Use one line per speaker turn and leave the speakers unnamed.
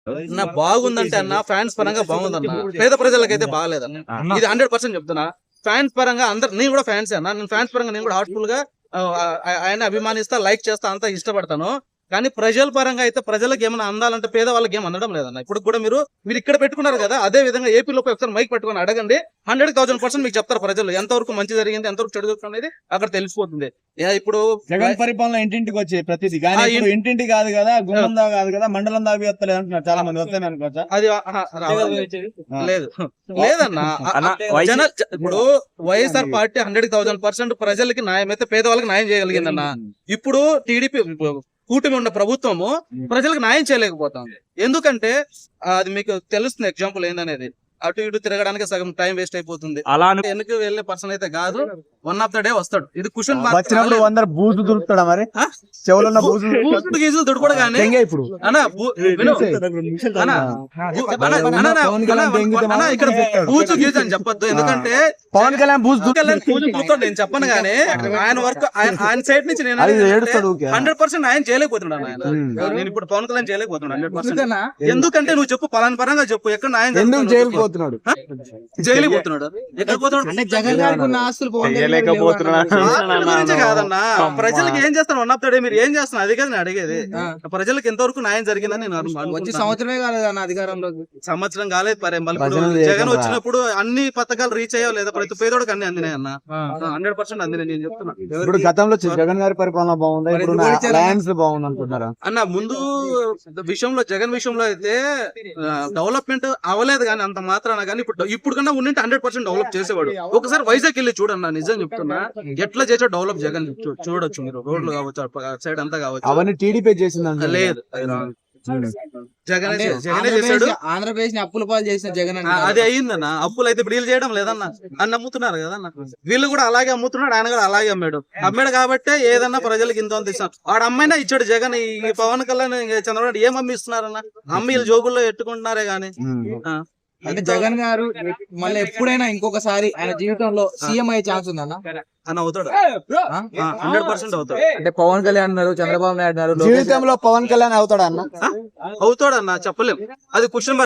నా బాగుందంటే అన్న ఫ్యాన్స్ పరంగా బాగుందన్న, పేద ప్రజలకైతే బాగాలేదన్న. ఇది 100% చెప్తున్నా. ఫ్యాన్స్ పరంగా అందరు, నేను కూడా ఫ్యాన్స్ అన్న, నేను ఫ్యాన్స్ పరంగా నేను కూడా హార్ట్ఫుల్ గా ఆయన అభిమానిస్తా, లైక్ చేస్తా, అంతా ఇష్టపడతాను. కానీ ప్రజల పరంగా అయితే ప్రజలకు ఏమైనా అందాలంటే పేదవాళ్ళకి ఏం అందడం లేదన్న. ఇప్పుడు కూడా మీరు ఇక్కడ పెట్టుకున్నారు కదా, అదే విధంగా ఏపీలో ఒకసారి మైక్ పెట్టుకుని అడగండి, 100,000% మీకు చెప్తారు ప్రజలు ఎంతవరకు మంచి జరిగింది, ఎంతవరకు చెడు జరుగుతుంది అనేది అక్కడ తెలిసిపోతుంది. ఇప్పుడు
జగన్ పరిపాలన ఇంటింటికి వచ్చే ప్రతిదీ, కానీ ఇప్పుడు ఇంటింటి కాదు కదా, గుమ్మం దా కాదు కదా, మండలం దాకా వస్తలేదు అంటున్నారు చాలా మంది. వస్తాయి అనుకోవచ్చా?
అది లేదు లేదన్నా. ఇప్పుడు వైఎస్ఆర్ పార్టీ 100,000% ప్రజలకి న్యాయం అయితే పేదవాళ్ళకి న్యాయం చేయగలిగిందన్న. ఇప్పుడు టీడీపీ కూటమి ఉన్న ప్రభుత్వము ప్రజలకు న్యాయం చేయలేకపోతాం. ఎందుకంటే అది మీకు తెలుస్తుంది ఎగ్జాంపుల్ ఏందనేది. అటు ఇటు తిరగడానికి సగం టైం వేస్ట్ అయిపోతుంది.
అలా
వెనక్కి వెళ్ళే పర్సన్ అయితే కాదు, వన్ ఆఫ్ ద డే వస్తాడు. ఇది క్వశ్చన్
వచ్చినప్పుడు 100 బూజు దొరుకుతాడా మరి? చెవులున్న
గీజులు దొడుకోడు కానీ
ఇప్పుడు
ఇక్కడ బూజు గీజు అని చెప్పొద్దు. ఎందుకంటే
పవన్ కళ్యాణ్ బూజు
చూస్తాడు, నేను చెప్పను కానీ ఆయన వర్క్ ఆయన సైడ్ నుంచి నేను 100% ఆయన చేయలేకపోతున్నాడు. నేను ఇప్పుడు పవన్ కళ్యాణ్ చేయలేకపోతున్నాడు 100%. ఎందుకంటే నువ్వు చెప్పు, పలానా పరంగా చెప్పు, ఎక్కడ ఆయన
చేయలేకపోతున్నాడు.
ఎక్కడ పోతున్నాడు?
జగన్ గారికి ఉన్న ఆస్తులు
కాదన్నా, ప్రజలకు ఏం చేస్తాను వన్ ఆఫ్ ద డే మీరు ఏం చేస్తున్నారు అది కదా నేను అడిగేది. ప్రజలకు ఎంతవరకు న్యాయం జరిగిందని నేను
వచ్చి సంవత్సరమే కాలేదన్న అధికారంలోకి.
సంవత్సరం కాలేదు. జగన్ వచ్చినప్పుడు అన్ని పథకాలు రీచ్ అయ్యావు లేదా? ప్రతి పేదోడికి అన్ని అందినాయి అన్న, 100% అందినాయి. నేను చెప్తున్నా.
ఇప్పుడు గతంలో జగన్ గారి పరిపాలన బాగుందా, ఇప్పుడు బాగుంది అనుకుంటున్నారా
అన్న? ముందు విషయంలో జగన్ విషయంలో అయితే డెవలప్మెంట్ అవ్వలేదు కానీ అంత మాత్రాన, కానీ ఇప్పుడు కన్నా ఉండింటే 100% డెవలప్ చేసేవాడు. ఒకసారి వైజాగ్ వెళ్ళి చూడన్నా, నిజం చెప్తున్నా, ఎట్లా చేసా డెవలప్ జగన్ చూడొచ్చు మీరు. రోడ్లు కావచ్చు, సైడ్ అంతా కావచ్చు,
అవన్నీ టీడీపీ చేసింది.
లేదు జగన్ చేశాడు.
ఆంధ్రప్రదేశ్ ని అప్పుల పాలు చేసిన జగన్
అది అయ్యిందన్న. అప్పులు అయితే ఇప్పుడు చేయడం లేదన్న, అని అమ్ముతున్నారు కదన్న. వీళ్ళు కూడా అలాగే అమ్ముతున్నాడు, ఆయన కూడా అలాగే అమ్మాడు కాబట్టి ఏదన్నా ప్రజలకు ఇంత ఇస్తాను. వాడు అమ్మాయినా ఇచ్చాడు జగన్. ఈ పవన్ కళ్యాణ్ చంద్రబాబు ఏం అమ్మి ఇస్తున్నారన్న? అమ్మి వీళ్ళు జోబుల్లో ఎట్టుకుంటున్నారే గానీ.
అంటే జగన్ గారు మళ్ళీ ఎప్పుడైనా ఇంకొకసారి ఆయన జీవితంలో సీఎం అయ్యే ఛాన్స్ ఉందన్న?
అని అవుతాడు, 100% అవుతాడు.
అంటే పవన్ కళ్యాణ్ అన్నారు, చంద్రబాబు నాయుడు అన్నారు,
జీవితంలో పవన్ కళ్యాణ్ అవుతాడా అన్న?
అవుతాడన్నా, చెప్పలేం. అది క్వశ్చన్.